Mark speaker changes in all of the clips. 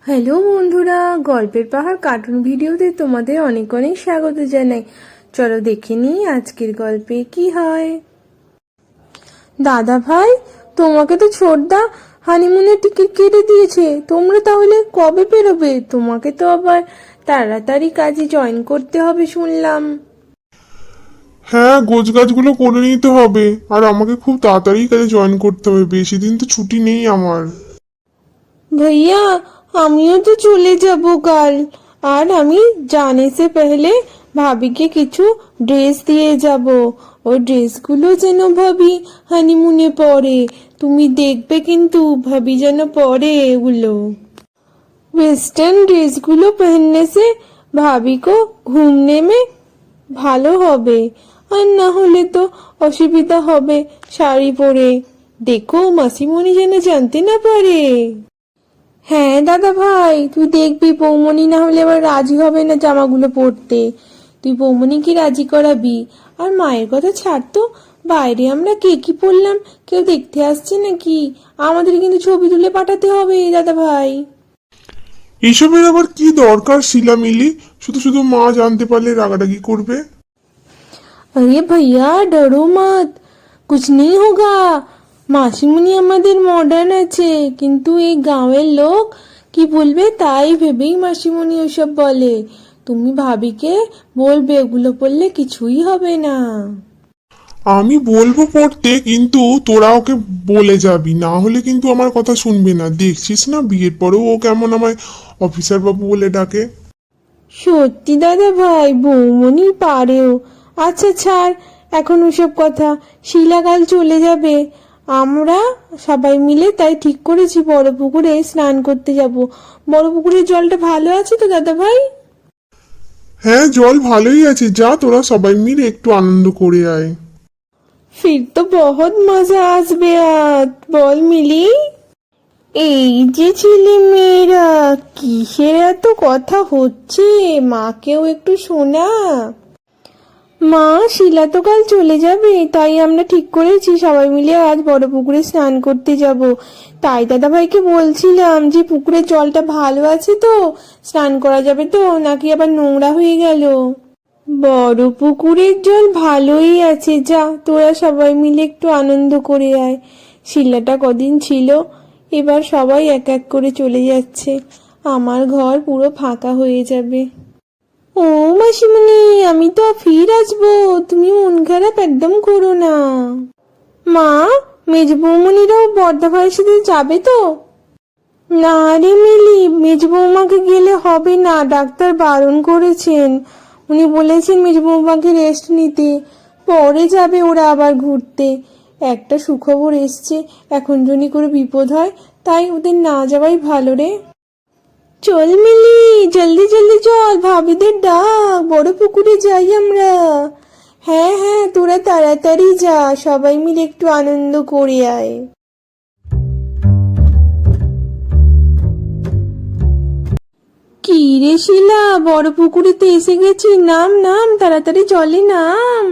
Speaker 1: Hello বন্ধুরা, গল্পের পাহাড় কার্টুন ভিডিওতে তোমাদের অনেক অনেক স্বাগত জানাই। চলো দেখে নিই আজকের গল্পে কি হয়। দাদা ভাই, তোমাকে তো ছোটদা হানিমুনের টিকিট কেটে দিয়েছে, তোমরা তাহলে কবে বেরোবে? তোমাকে তো আবার তাড়াতাড়ি কাজে জয়েন করতে হবে শুনলাম।
Speaker 2: হ্যাঁ, গোছগাছগুলো করে নিতে হবে। আর আমাকে খুব তাড়াতাড়ি কাজে জয়েন করতে হবে, বেশি দিন তো ছুটি নেই আমার।
Speaker 1: भैया, আমিও তো চলে যাব কাল। আর আমি जाने से पहले ভাবিকে কিছু ড্রেস দিয়ে যাব। ওই ড্রেসগুলো যেন ভাবি হানিমুনে পরে। তুমি দেখবে কিন্তু ভাবি যেন পরে এগুলো। वेस्टर्न ड्रेसগুলো पहनने से भाभी को घूमने में ভালো হবে। আর না হলে তো অসুবিধা হবে শাড়ি পরে। দেখো মাসিমণি যেন জানতে না পারে। হ্যাঁ দাদা ভাই, তুই দেখবি বৌমনি না হলে আবার রাজি হবে না জামাগুলো পরতে। তুই বৌমনিকে রাজি করাবি। আর মায়ের কথা ছাড় তো, বাইরে আমরা কে কি পরলাম কেউ দেখতে আসছে নাকি? আমাদের কিন্তু ছবি তুলে পাঠাতে হবে দাদা ভাই।
Speaker 2: এইসবের আবার কি দরকার শিলামিলি? শুধু শুধু মা জানতে পারলে রাগারাগি করবে।
Speaker 1: अरे भैया डरो मत, कुछ नहीं होगा। মাসিমুনি আমাদের মডার্ন আছে, কিন্তু এই গাঁয়ের লোক কি বলবে তাই ভেবেই মাসিমুনি ওসব বলে। তুমি ভাবিকে বলবে ওগুলো পড়লে কিছুই হবে না।
Speaker 2: আমি বলবো পড়তে, কিন্তু তোরা ওকে বলে যাবি, না হলে কিন্তু আমার কথা শুনবে না। দেখছিস না বিয়ের পরেও ও কেমন আমায় অফিসার বাবু বলে ডাকে।
Speaker 1: সত্যি দাদা ভাই, বৌমনি পারেও। আচ্ছা ছাড় এখন ওসব কথা। শিলা কাল চলে যাবে, আমরা সবাই মিলে তাই ঠিক করেছি বড় পুকুরে স্নান করতে যাব। বড় পুকুরের জলটা ভালো আছে তো দাদা ভাই?
Speaker 2: হ্যাঁ, জল ভালোই আছে, যা তোরা সবাই মিলে একটু আনন্দ করে আয়।
Speaker 1: फिर तो बहुत मजा আসবে আজ, বল মিলি? এই যে ছেলে মেয়েরা, কিসের এত কথা হচ্ছে? মাকেও একটু শোনা। মা, শিলা তো কাল চলে যাবে, তাই আমরা ঠিক করেছি সবাই মিলে আজ বড় পুকুরে স্নান করতে যাব। তাই দাদা ভাইকে বলছিলাম যে পুকুরের জলটা ভালো আছে তো, স্নান করা যাবে তো, নাকি আবার নোংরা হয়ে গেল। বড় পুকুরের জল ভালোই আছে, যা তোরা সবাই মিলে একটু আনন্দ করে আয়। শিলাটা কদিন ছিল, এবার সবাই এক এক করে চলে যাচ্ছে। আমার ঘর পুরো ফাঁকা হয়ে যাবে। ও মাসিমণি, আমি তো ফির আসবো, তুমি মন খারাপ একদম করো না। মা, মেজ বৌমনিরাও বড়দা ভাইয়ের সাথে যাবে তো? না রে মিলি, মেজ বৌমাকে গেলে হবে না, ডাক্তার বারণ করেছেন। উনি বলেছেন মেজ বৌমাকে রেস্ট নিতে, পরে যাবে ওরা আবার ঘুরতে। একটা সুখবর এসছে, এখন যদি করে বিপদ হয়, তাই ওদের না যাওয়াই ভালো রে। চল মিলি, জলদি জলদি চল, ভাবিদের ডাক, বড় পুকুরে যাই আমরা। হ্যাঁ হ্যাঁ, তোরা তাড়াতাড়ি যা, সবাই মিলে একটু আনন্দ করে আয়। কি রে শিলা, বড় পুকুরেতে এসে গেছি, নাম নাম তাড়াতাড়ি জলে নাম।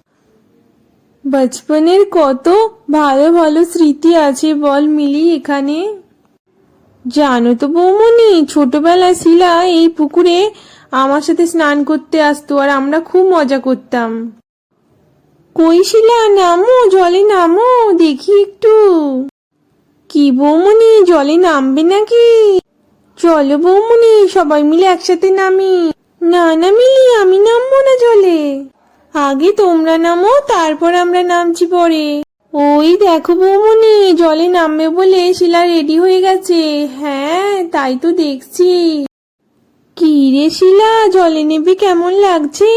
Speaker 1: বচপনের কত ভালো ভালো স্মৃতি আছে বল মিলি এখানে। জানো তো বৌমনি, ছোটবেলায় শিলা এই পুকুরে আমার সাথে স্নান করতে আসতো, আর আমরা খুব মজা করতাম। কই শিলা, নামো জলে নামো, দেখি একটু। কি বৌমনি, জলে নামবে নাকি? চলো বৌমনি, সবাই মিলে একসাথে নামি। না না মিলি, আমি নামবো না জলে। আগে তোমরা নামো, তারপর আমরা নামছি পরে। ওই দেখো বৌমনি, জলে নামবে বলে শিলা রেডি হয়ে গেছে। হ্যাঁ তাই তো দেখছি। কি রে শিলা, জলে নেবে কেমন লাগছে?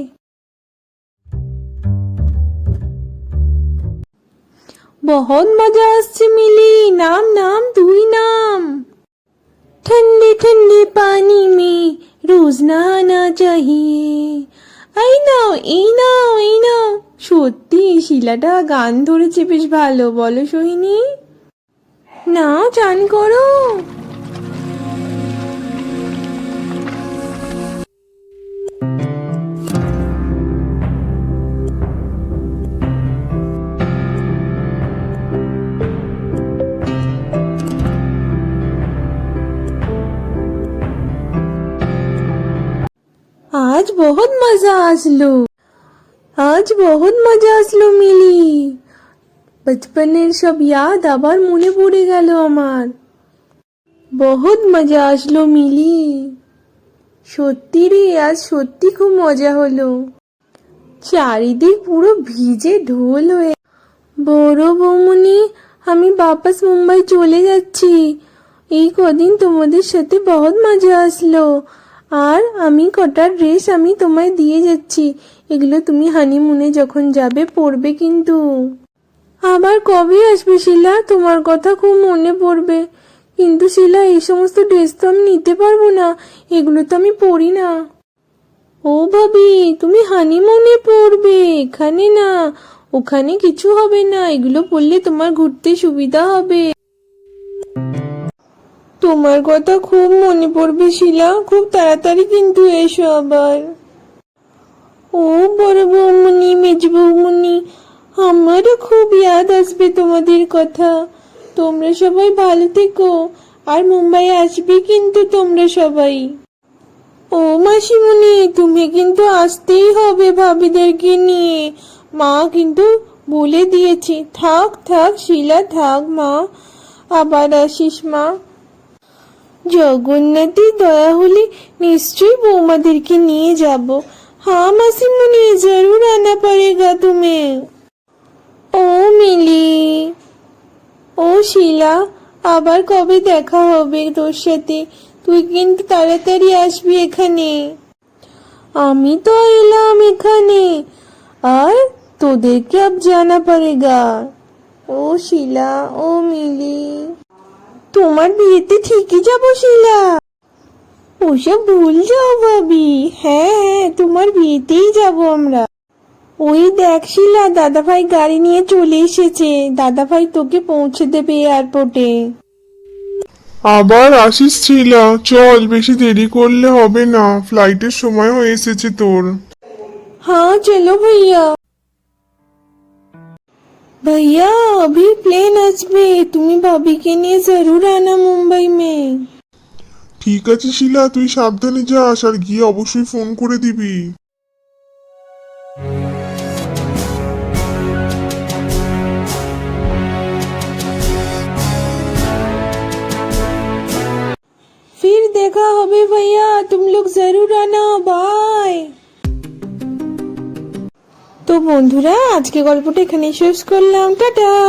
Speaker 1: बहुत मजा আসছে মিলি, নাম নাম তুই নাম। ठंडे ठंडे पानी में रोज नहाना चाहिए। এই নাও এই নাও এই নাও। সত্যি শিলাটা গান ধরেছে বেশ ভালো, বলো সোহিনী? নাও চান করো। आज बहुत मजा আসলো। আজ বহুত মজা আসলো মিলি। বচপনের সব ইয়াদ আবার মনে পড়ে গেল আমার। বহুত মজা আসলো মিলি। সত্যি রে, আজ সত্যি খুব মজা হলো। চারিদিক পুরো ভিজে ঢোল হয়ে। বড় বৌমনি, আমি বাপাস মুম্বাই চলে যাচ্ছি। এই কদিন তোমাদের সাথে বহুত মজা আসলো। আর আমি কটা ড্রেস আমি তোমায় দিয়ে যাচ্ছি, এগুলো তুমি হানিমুনে যখন যাবে পরবে কিন্তু। আবার কবে আসবে শিলা? তোমার কথা খুব মনে পড়বে। কিন্তু শিলা, এই সমস্ত ড্রেস তো আমি নিতে পারবো না, এগুলো তো আমি পরি না। ও ভাবি, তুমি হানিমুনে পরবে, এখানে না। ওখানে কিছু হবে না, এগুলো পরলে তোমার ঘুরতে সুবিধা হবে। তোমার কথা খুব মনে পড়বে শিলা, খুব তাড়াতাড়ি কিন্তু এসো আবার। ও বড় বৌমনি, মেজ বৌমনি, আমারও খুব ইয়াদ আসবে তোমাদের কথা। তোমরা সবাই ভালো থেকো, আর মুম্বাই আসবে কিন্তু তোমরা সবাই। ও মাসিমণি, তুমি কিন্তু আসতেই হবে ভাবিদেরকে নিয়ে। মা কিন্তু বলে দিয়েছে। থাক থাক শিলা, থাক মা, আবার আসিস মা। জগন্নাথের দয়া হলে নিশ্চয়ই বৌমাদেরকে নিয়ে যাব। हाँ मासीमुनी, जरूर आना पड़ेगा तुम्हें। ও মিলি, ও শিলা, আবার কবে দেখা হবে তোর সাথে? তুই কিন্তু তাড়াতাড়ি আসবি এখানে। আমি তো এলাম এখানে, আর তোদেরকে আব জানা পড়েগা। ও শিলা, ও মিলি, তোমার বিয়েতে ঠিকই যাবো শিলা। ওসব ভুল যাও ভাবি। হ্যাঁ হ্যাঁ, তোমার বিয়েতেই যাবো আমরা। ওই দেখ শিলা, দাদাভাই গাড়ি নিয়ে চলে এসেছে। দাদাভাই তোকে পৌঁছে দেবে এয়ারপোর্টে।
Speaker 2: আবার আসিস ছিলা, চল, বেশি দেরি করলে হবে না, ফ্লাইটের সময় হয়ে এসেছে তোর।
Speaker 1: हाँ चलो भैया। भैया अभी प्लेन আসবে, তুমি ভাবিকে নিয়ে জরুর আনা মুম্বাই মে।
Speaker 2: ঠিক আছে শিলা, তুই সাবধানে যাস, আর গিয়ে অবশ্যই ফোন করে দিবি।
Speaker 1: फिर देखा হবে भैया, तुम लोग जरूर आना, बाय। তো বন্ধুরা, আজকে গল্পটা এখানেই শেষ করলাম, টাটা।